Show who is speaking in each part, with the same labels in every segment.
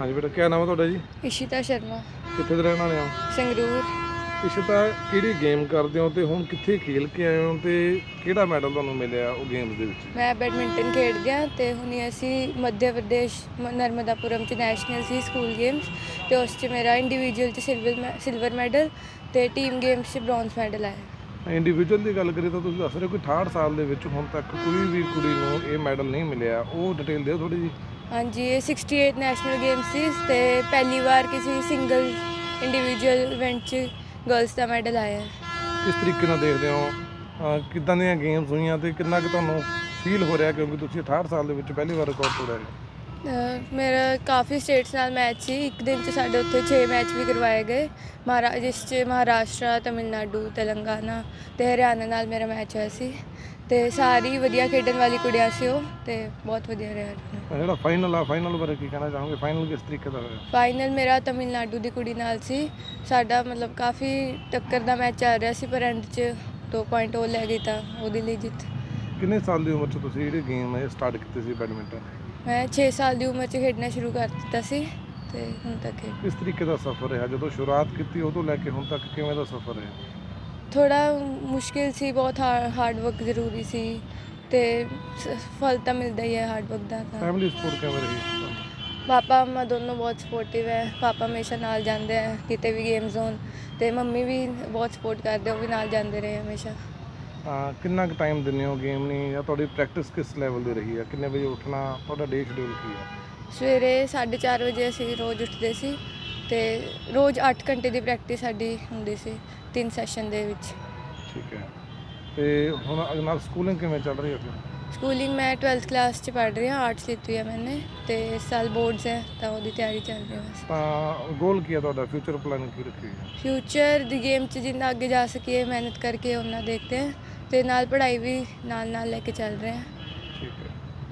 Speaker 1: हाँ जी बेटा, क्या नाम है ਤੁਹਾਡਾ ਜੀ?
Speaker 2: इशिता शर्मा
Speaker 1: ਕਿੱਥੇ ਦੇ ਰਹਿਣ ਵਾਲੇ ਹੋ?
Speaker 2: संगरूर।
Speaker 1: ਇਸ਼ਿਤਾ, ਕਿਹੜੀ ਗੇਮ ਕਰਦੇ ਹੋ ਤੇ ਹੁਣ ਕਿੱਥੇ ਖੇਲ ਕੇ ਆਏ ਹੋ ਤੇ ਕਿਹੜਾ ਮੈਡਲ ਤੁਹਾਨੂੰ ਮਿਲਿਆ ਉਹ ਗੇਮਸ ਦੇ ਵਿੱਚ?
Speaker 2: मैं बैडमिंटन खेडदी हाँ ते हुणी असी मध्य प्रदेश नर्मदापुरम च नैशनल सी स्कूल गेम्स ते उस च मेरा इंडिविजुअल च सिल्वर मैडल ते टीम गेम्स च ब्रॉन्ज मैडल आया।
Speaker 1: ਇੰਡੀਵਿਜੂਅਲ ਦੀ ਗੱਲ ਕਰੀਏ ਤਾਂ ਤੁਸੀਂ ਦੱਸ ਰਹੇ ਹੋ ਕਿ 68 ਸਾਲ ਦੇ ਵਿੱਚ ਹੁਣ ਤੱਕ ਕੋਈ ਵੀ ਕੁੜੀ ਨੂੰ ਇਹ ਮੈਡਲ ਨਹੀਂ ਮਿਲਿਆ, ਉਹ ਡਿਟੇਲ ਦਿਓ ਥੋੜੀ ਜੀ।
Speaker 2: हाँ जी, ये 68 ਨੈਸ਼ਨਲ गेम्स सी ते पहली बार किसी सिंगल इंडिविजुअल इवेंट च गर्ल्स का मैडल आया है।
Speaker 1: ਕਿਸ ਤਰੀਕੇ ਨਾਲ ਦੇਖਦੇ ਹੋ ਕਿੱਦਾਂ ਦੀਆਂ ਗੇਮਸ ਹੋਈਆਂ ਤੇ ਕਿੰਨਾ ਕੁ ਤੁਹਾਨੂੰ ਫੀਲ ਹੋ ਰਿਹਾ ਕਿਉਂਕਿ ਤੁਸੀਂ 68 ਸਾਲ ਦੇ ਵਿੱਚ ਪਹਿਲੀ ਵਾਰ ਰਿਕਾਰਡ ਤੋੜਿਆ ਹੈ?
Speaker 2: मेरा काफ़ी स्टेट्स नाल मैच सी, एक दिन च साडे उत्थे 6 मैच भी करवाए गए जिस च महाराष्ट्र, तमिलनाडु, तेलंगाना ते हरियाणा नाल मेरा मैच होया सी ते सारी वधिया खेडन वाली कुड़ियां सी ਉਹ ਤੇ ਬਹੁਤ ਵਧੀਆ ਰਿਹਾ।
Speaker 1: ਜਿਹੜਾ ਫਾਈਨਲ ਬਾਰੇ ਕੀ ਕਹਿਣਾ ਚਾਹੋਗੇ? ਫਾਈਨਲ ਕਿਸ ਤਰੀਕੇ ਦਾ ਹੋਇਆ?
Speaker 2: ਫਾਈਨਲ ਮੇਰਾ ਤਮਿਲਨਾਡੂ ਦੀ ਕੁੜੀ ਨਾਲ ਸੀ, ਸਾਡਾ ਮਤਲਬ ਕਾਫੀ ਟੱਕਰ ਦਾ ਮੈਚ ਚੱਲ ਰਿਹਾ ਸੀ ਪਰ ਐਂਡ 'ਚ 2 ਪੁਆਇੰਟ ਉਹ ਲੈ ਗਈ ਤਾਂ ਉਹਦੇ ਲਈ ਜਿੱਤ।
Speaker 1: ਕਿੰਨੇ ਸਾਲ ਦੀ ਉਮਰ 'ਚ ਤੁਸੀਂ ਜਿਹੜੀ ਗੇਮ ਹੈ ਸਟਾਰਟ ਕੀਤੀ ਸੀ ਬੈਡਮਿੰਟਨ?
Speaker 2: ਮੈਂ 6 ਸਾਲ ਦੀ ਉਮਰ 'ਚ ਖੇਡਣਾ ਸ਼ੁਰੂ ਕਰ ਦਿੱਤਾ ਸੀ ਤੇ ਹੁਣ ਤੱਕ
Speaker 1: ਕਿਸ ਤਰੀਕੇ ਦਾ ਸਫ਼ਰ ਰਿਹਾ ਜਦੋਂ ਸ਼ੁਰੂਆਤ ਕੀਤੀ ਉਦੋਂ ਲੈ ਕੇ ਹੁਣ ਤੱਕ ਕਿਵੇਂ ਦਾ ਸਫ਼ਰ ਰਿਹਾ?
Speaker 2: ਥੋੜਾ ਮੁਸ਼ਕਿਲ ਸੀ, ਬਹੁਤ ਹਾਰਡ ਵਰਕ ਜ਼ਰੂਰੀ ਸੀ ਤੇ ਫਲ ਤਾਂ ਮਿਲਦਾ ਹੀ ਹੈ ਹਾਰਡ ਵਰਕ ਦਾ।
Speaker 1: ਫੈਮਿਲੀ ਸਪੋਰਟ ਕਿਵੇਂ ਰਹੀ?
Speaker 2: ਪਾਪਾ ਮੰਮਾ ਦੋਨੋਂ ਬਹੁਤ ਸਪੋਰਟਿਵ ਹੈ। ਪਾਪਾ ਹਮੇਸ਼ਾ ਨਾਲ ਜਾਂਦੇ ਹੈ ਕਿਤੇ ਵੀ ਗੇਮ ਜ਼ੋਨ ਤੇ ਮੰਮੀ ਵੀ ਬਹੁਤ ਸਪੋਰਟ ਕਰਦੇ, ਉਹ ਵੀ ਨਾਲ ਜਾਂਦੇ ਰਹੇ ਹਮੇਸ਼ਾ।
Speaker 1: ਕਿੰਨਾ ਕੁ ਟਾਈਮ ਦਿੰਦੇ ਹੋ ਗੇਮ ਨੂੰ ਜਾਂ ਤੁਹਾਡੀ ਪ੍ਰੈਕਟਿਸ ਕਿਸ ਲੈਵਲ ਦੀ ਰਹੀ ਹੈ? ਕਿੰਨੇ ਵਜੇ ਉੱਠਣਾ, ਤੁਹਾਡਾ ਡੇ ਸ਼ਡਿਊਲ ਕੀ ਹੈ?
Speaker 2: ਸਵੇਰੇ 4:30 ਵਜੇ ਅਸੀਂ ਰੋਜ਼ ਉੱਠਦੇ ਸੀ ਤੇ ਰੋਜ਼ 8 ਘੰਟੇ ਦੀ ਪ੍ਰੈਕਟਿਸ ਸਾਡੀ ਹੁੰਦੀ ਸੀ 3 ਸੈਸ਼ਨ ਦੇ ਵਿੱਚ।
Speaker 1: ਠੀਕ ਹੈ, ਤੇ ਹੁਣ ਨਾਲ ਸਕੂਲਿੰਗ ਕਿਵੇਂ ਚੱਲ ਰਹੀ ਹੈ?
Speaker 2: ਸਕੂਲਿੰਗ ਮੈਂ 12th ਕਲਾਸ 'ਚ ਪੜ੍ਹ ਰਹੀ ਹਾਂ, ਆਰਟਸ ਲਿੱਤੀ ਹੈ ਮੈंने ਤੇ ਇਸ ਸਾਲ ਬੋਰਡਸ ਹੈ ਤਾਂ ਉਹਦੀ ਤਿਆਰੀ ਚੱਲ ਰਹੀ ਹੈ ਬਸ।
Speaker 1: ਤਾਂ ਗੋਲ ਕੀ ਹੈ ਤੁਹਾਡਾ? ਫਿਊਚਰ ਪਲਾਨ ਕੀ ਰੱਖੀ ਹੈ?
Speaker 2: ਫਿਊਚਰ ਦੀ ਗੇਮ 'ਚ ਜਿੰਨਾ ਅੱਗੇ ਜਾ ਸਕੀਏ ਮਿਹਨਤ ਕਰਕੇ ਉਹਨਾਂ ਦੇਖਦੇ ਹਾਂ ਤੇ ਨਾਲ ਪੜ੍ਹਾਈ ਵੀ ਨਾਲ ਲੈ ਕੇ ਚੱਲ ਰਹੇ ਹਾਂ।
Speaker 1: ਠੀਕ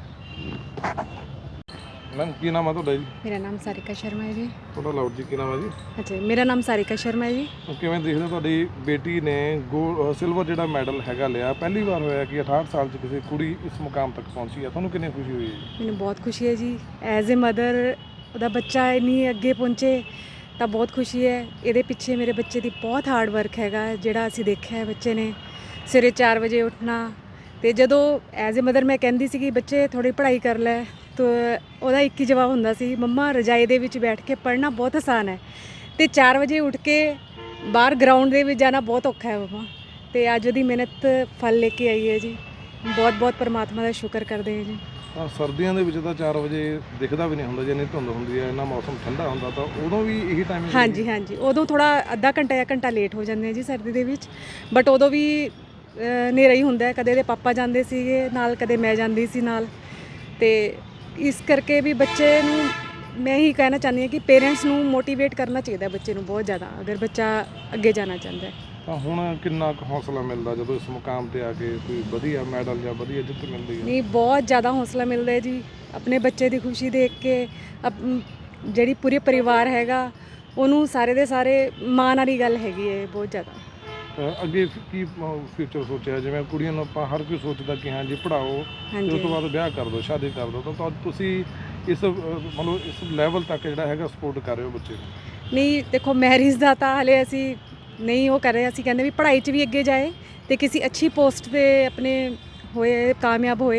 Speaker 1: ਹੈ ਮੈਮ, ਕੀ ਨਾਮ ਹੈ ਤੁਹਾਡਾ ਜੀ?
Speaker 3: मेरा नाम सारिका शर्मा है जी।
Speaker 1: ਤੁਹਾਡਾ ਲਾਉਡ ਜੀ, ਕੀ ਨਾਮ ਹੈ ਜੀ?
Speaker 3: अच्छा, मेरा नाम सारिका शर्मा है जी।
Speaker 1: ਕਿਵੇਂ ਦੇਖਦੇ ਹੋ ਤੁਹਾਡੀ ਬੇਟੀ ਨੇ ਸਿਲਵਰ ਜਿਹੜਾ ਮੈਡਲ ਹੈਗਾ ਲਿਆ? ਪਹਿਲੀ ਵਾਰ ਹੋਇਆ ਕਿ 68 ਸਾਲ 'ਚ ਕਿਸੇ ਕੁੜੀ ਇਸ ਮੁਕਾਮ ਤੱਕ ਪਹੁੰਚੀ ਹੈ, ਤੁਹਾਨੂੰ ਕਿੰਨੀ ਖੁਸ਼ੀ ਹੋਈ ਹੈ ਜੀ?
Speaker 3: ਮੈਨੂੰ ਬਹੁਤ ਖੁਸ਼ੀ ਹੈ ਜੀ, ਐਜ਼ ਅ ਮਦਰ ਉਹਦਾ ਬੱਚਾ ਇੰਨੀ ਅੱਗੇ ਪਹੁੰਚੇ ਤਾਂ ਬਹੁਤ ਖੁਸ਼ੀ ਹੈ। ਇਹਦੇ ਪਿੱਛੇ ਮੇਰੇ ਬੱਚੇ ਦੀ ਬਹੁਤ ਹਾਰਡ ਵਰਕ ਹੈਗਾ, ਜਿਹੜਾ ਅਸੀਂ ਦੇਖਿਆ ਹੈ ਬੱਚੇ ਨੇ ਸਵੇਰੇ 4 ਵਜੇ ਉੱਠਣਾ। ਤੇ ਜਦੋਂ ਐਜ਼ ਅ ਮਦਰ ਮੈਂ ਕਹਿੰਦੀ ਸੀ ਕਿ ਬੱਚੇ ਥੋੜ੍ਹੀ ਪੜ੍ਹਾਈ ਕਰ ਲੈ ਤਾਂ ਉਹਦਾ ਇੱਕ ਹੀ ਜਵਾਬ ਹੁੰਦਾ ਸੀ, ਮੰਮਾ ਰਜਾਈ ਦੇ ਵਿੱਚ ਬੈਠ ਕੇ ਪੜ੍ਹਨਾ ਬਹੁਤ ਆਸਾਨ ਹੈ ਤੇ 4 ਵਜੇ ਉੱਠ ਕੇ ਬਾਹਰ ਗਰਾਊਂਡ ਦੇ ਵਿੱਚ ਜਾਣਾ ਬਹੁਤ ਔਖਾ ਹੈ ਮੰਮਾ। ਤੇ ਅੱਜ ਉਹਦੀ ਮਿਹਨਤ ਫਲ ਲੈ ਕੇ ਆਈ ਹੈ ਜੀ, ਬਹੁਤ ਬਹੁਤ ਪਰਮਾਤਮਾ ਦਾ ਸ਼ੁਕਰ ਕਰਦੇ ਹਾਂ ਜੀ।
Speaker 1: ਸਰਦੀਆਂ ਦੇ ਵਿੱਚ ਤਾਂ 4 ਵਜੇ ਦਿਖਦਾ ਵੀ ਨਹੀਂ ਹੁੰਦਾ, ਜੇ ਨਹੀਂ ਧੁੰਦ ਹੁੰਦੀ ਹੈ, ਇੰਨਾ ਮੌਸਮ ਠੰਡਾ ਹੁੰਦਾ ਤਾਂ ਉਦੋਂ ਵੀ ਇਹੀ ਟਾਈਮਿੰਗ?
Speaker 3: ਹਾਂਜੀ, ਉਦੋਂ ਥੋੜਾ ਅੱਧਾ ਘੰਟਾ ਜਾਂ ਘੰਟਾ ਲੇਟ ਹੋ ਜਾਂਦੇ ਆ ਜੀ ਸਰਦੀ ਦੇ ਵਿੱਚ, ਬਟ ਉਦੋਂ ਵੀ ਹਨੇਰਾ ਹੀ ਹੁੰਦਾ। ਕਦੇ ਇਹਦੇ ਪਾਪਾ ਜਾਂਦੇ ਸੀਗੇ ਨਾਲ, ਕਦੇ ਮੈਂ ਜਾਂਦੀ ਸੀ ਨਾਲ। ਤੇ ਇਸ ਕਰਕੇ ਵੀ ਬੱਚੇ ਨੂੰ ਮੈਂ ਹੀ ਕਹਿਣਾ ਚਾਹੁੰਦੀ ਹਾਂ ਕਿ ਪੇਰੈਂਟਸ ਨੂੰ ਮੋਟੀਵੇਟ ਕਰਨਾ ਚਾਹੀਦਾ ਬੱਚੇ ਨੂੰ ਬਹੁਤ ਜ਼ਿਆਦਾ, ਅਗਰ ਬੱਚਾ ਅੱਗੇ ਜਾਣਾ ਚਾਹੁੰਦਾ ਹੈ।
Speaker 1: ਤਾਂ ਹੁਣ ਕਿੰਨਾ ਕੁ ਹੌਸਲਾ ਮਿਲਦਾ ਜਦੋਂ ਇਸ ਮੁਕਾਮ ਤੇ ਆ ਕੇ ਕੋਈ ਵਧੀਆ ਮੈਡਲ ਜਾਂ ਵਧੀਆ ਜਿੱਤ ਮਿਲਦੀ ਹੈ?
Speaker 3: ਨਹੀਂ, ਬਹੁਤ ਜ਼ਿਆਦਾ ਹੌਸਲਾ ਮਿਲਦਾ ਹੈ ਜੀ, ਆਪਣੇ ਬੱਚੇ ਦੀ ਖੁਸ਼ੀ ਦੇਖ ਕੇ। ਜਿਹੜੀ ਪੂਰੇ ਪਰਿਵਾਰ ਹੈਗਾ ਉਹਨੂੰ ਸਾਰੇ ਦੇ ਸਾਰੇ ਮਾਣ ਵਾਲੀ ਗੱਲ ਹੈਗੀ ਹੈ ਬਹੁਤ ਜ਼ਿਆਦਾ।
Speaker 1: ਅੱਗੇ ਕੀ ਫਿਊਚਰ ਸੋਚਿਆ? ਜਿਵੇਂ ਕੁੜੀਆਂ ਨੂੰ ਆਪਾਂ ਹਰ ਕੋਈ ਸੋਚਦਾ ਕਿ ਹਾਂ ਜੀ ਪੜ੍ਹਾਓ ਤੇ ਉਸ ਤੋਂ ਬਾਅਦ ਵਿਆਹ ਕਰ ਦਿਓ, ਸ਼ਾਦੀ ਕਰ ਦਿਓ, ਤਾਂ ਤੁਸੀਂ ਇਸ ਮਤਲਬ ਇਸ ਲੈਵਲ ਤੱਕ ਜਿਹੜਾ ਹੈਗਾ ਸਪੋਰਟ ਕਰ ਰਹੇ ਹੋ ਬੱਚੇ ਨੂੰ?
Speaker 3: ਨਹੀਂ ਦੇਖੋ, ਮੈਰਿਜ ਦਾ ਤਾਂ ਹਾਲੇ ਅਸੀਂ ਨਹੀਂ ਉਹ ਕਰ ਰਹੇ, ਅਸੀਂ ਕਹਿੰਦੇ ਵੀ ਪੜ੍ਹਾਈ 'ਚ ਵੀ ਅੱਗੇ ਜਾਏ ਤੇ ਕਿਸੇ ਅੱਛੀ ਪੋਸਟ 'ਤੇ ਆਪਣੇ ਹੋਏ, ਕਾਮਯਾਬ ਹੋਏ।